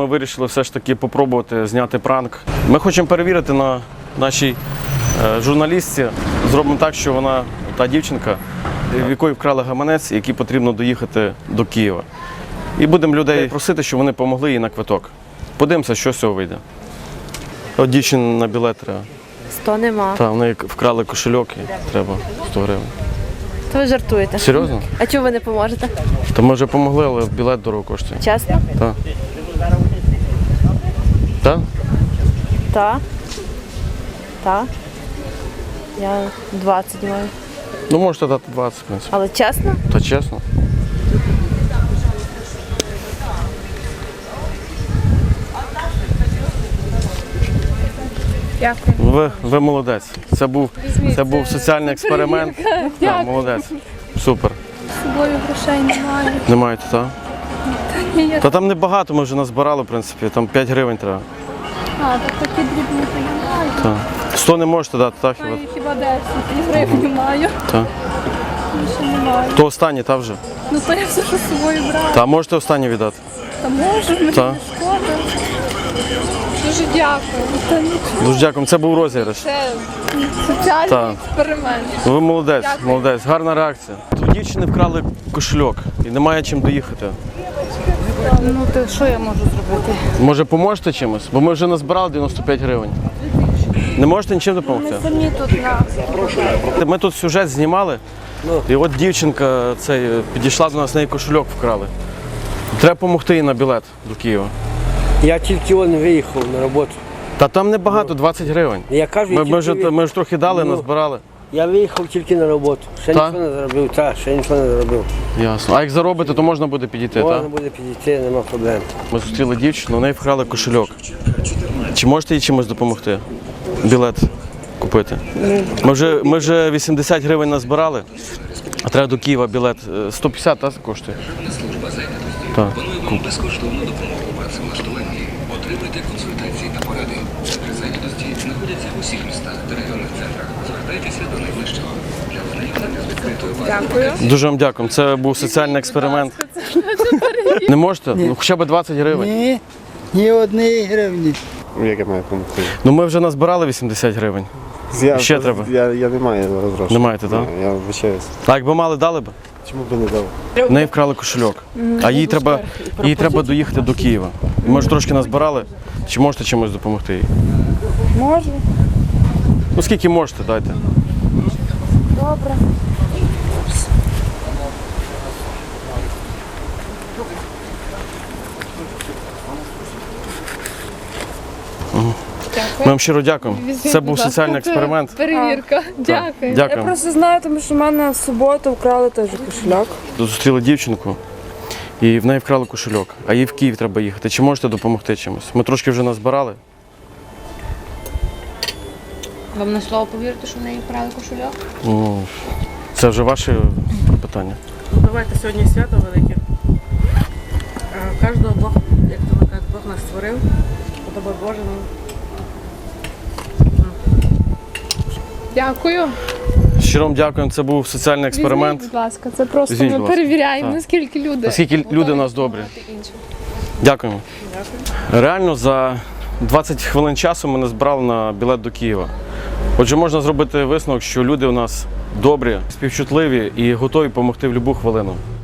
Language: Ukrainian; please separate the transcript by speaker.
Speaker 1: ми вирішили все ж таки попробувати зняти пранк. Ми хочемо перевірити на нашій журналістці. Зробимо так, що вона, та дівчинка, в якої вкрали гаманець, якій потрібно доїхати до Києва. І будемо людей просити, щоб вони допомогли їй на квиток. Подивимося, що з цього вийде. От дівчині на білет треба.
Speaker 2: 100 нема.
Speaker 1: Так, в неї вкрали кошельок і треба 100 гривень.
Speaker 2: То ви жартуєте.
Speaker 1: Серйозно?
Speaker 2: А чому ви не поможете?
Speaker 1: Та ми вже допомогли, але білет дорого коштує.
Speaker 2: Чесно?
Speaker 1: Так. Так?
Speaker 2: Так. Так. Я 20 маю.
Speaker 1: Ну, можете дати 20, в принципі.
Speaker 2: Але чесно?
Speaker 1: Та чесно.
Speaker 3: Дякую.
Speaker 1: Ви молодець. Це був соціальний експеримент. Так, молодець. Супер.
Speaker 3: З собою грошей немає.
Speaker 1: Не маєте, так?
Speaker 3: Ні,
Speaker 1: Та там небагато, ми вже назбирали, в принципі. Там 5 гривень треба.
Speaker 3: так такі дрібні то я маю.
Speaker 1: Так. 100 не можете дати, так?
Speaker 3: Маю хіба 10 гривень маю.
Speaker 1: Так.
Speaker 3: Більше не маю.
Speaker 1: То останнє, та вже?
Speaker 3: Ну то я все ж з собою брала.
Speaker 1: Та можете останнє віддати?
Speaker 3: Та можу, мені
Speaker 1: Та.
Speaker 3: не шкода. Дуже дякую. Та нічого.
Speaker 1: Дуже дякую. Це був розіграш.
Speaker 3: Це соціальний
Speaker 1: Так.
Speaker 3: експеримент.
Speaker 1: Ви молодець,
Speaker 3: Дякую.
Speaker 1: молодець. Гарна реакція. У дівчини вкрали кошельок і немає чим доїхати.
Speaker 4: Ну, то що я можу зробити?
Speaker 1: Може, поможете чимось? Бо ми вже назбирали 95 гривень. Не можете нічим допомогти?
Speaker 4: Самі тут на...
Speaker 1: Ми тут сюжет знімали, і от дівчинка підійшла до нас, неї кошельок вкрали. Треба допомогти їй на білет до Києва.
Speaker 5: Я тільки виїхав на роботу.
Speaker 1: Та там небагато, 20 гривень.
Speaker 5: Я кажу,
Speaker 1: Ми ж трохи дали, назбирали.
Speaker 5: Я виїхав тільки на роботу. Ще
Speaker 1: Та?
Speaker 5: нічого не заробив, ще нічого не заробив.
Speaker 1: Ясно. А як заробите, то можна буде підійти,
Speaker 5: Можна
Speaker 1: так?
Speaker 5: буде підійти, нема проблем.
Speaker 1: Ми зустріли дівчину, у неї вкрали кошельок. Чи можете їй чимось допомогти? Білет купити? Ми вже 80 гривень назбирали, а треба до Києва білет. 150, так, коштує? Так.
Speaker 6: Безкоштовну допомогу у працевлаштуванні. Отримуйте консультації та поради. Центри зайнятості знаходяться в усіх містах та районних центрах. Звертайтеся до найближчого. Для ознайомлення з відкритою базою.
Speaker 3: Дякую.
Speaker 1: Дуже вам дякую. Це був соціальний експеримент. Не можете? Ну, хоча б 20 гривень.
Speaker 7: Ні, ні однієї гривні.
Speaker 8: Як я маю допомогти?
Speaker 1: Ну ми вже назбирали 80 гривень. Ще треба?
Speaker 8: Я не маю грошей.
Speaker 1: Не маєте, так?
Speaker 8: Я вибачаюсь.
Speaker 1: А якби мали, дали б?
Speaker 8: Чому б не дав?
Speaker 1: В неї вкрали кошельок, а їй треба доїхати до Києва. Ми ж трошки назбирали. Чи можете чимось допомогти їй?
Speaker 4: Можу.
Speaker 1: Ну скільки можете, дайте.
Speaker 4: Добре.
Speaker 1: Ми вам щиро дякуємо. Це був соціальний експеримент.
Speaker 3: Перевірка. Дякую.
Speaker 4: Я
Speaker 1: Дякуємо.
Speaker 4: просто знаю, тому що в мене в суботу вкрали теж кошельок.
Speaker 1: Зустріли дівчинку, і в неї вкрали кошельок, а їй в Київ треба їхати. Чи можете допомогти чимось? Ми трошки вже назбирали.
Speaker 9: Вам на слово повірите, що в неї вкрали кошельок?
Speaker 1: Ну, це вже ваші питання.
Speaker 10: Ну, давайте сьогодні свято велике. Кожного Бог, як то кажуть, Бог нас створив, подобай Боже.
Speaker 3: Дякую.
Speaker 1: Щиро вам дякуємо, це був соціальний експеримент.
Speaker 3: Візьміть, будь ласка, це просто
Speaker 1: Візьміть,
Speaker 3: ми
Speaker 1: будь ласка.
Speaker 3: перевіряємо,
Speaker 1: Так.
Speaker 3: наскільки люди.
Speaker 1: Наскільки люди у нас добрі. Дякуємо. Реально за 20 хвилин часу ми назбирали на білет до Києва. Отже, можна зробити висновок, що люди у нас добрі, співчутливі і готові допомогти в будь-яку хвилину.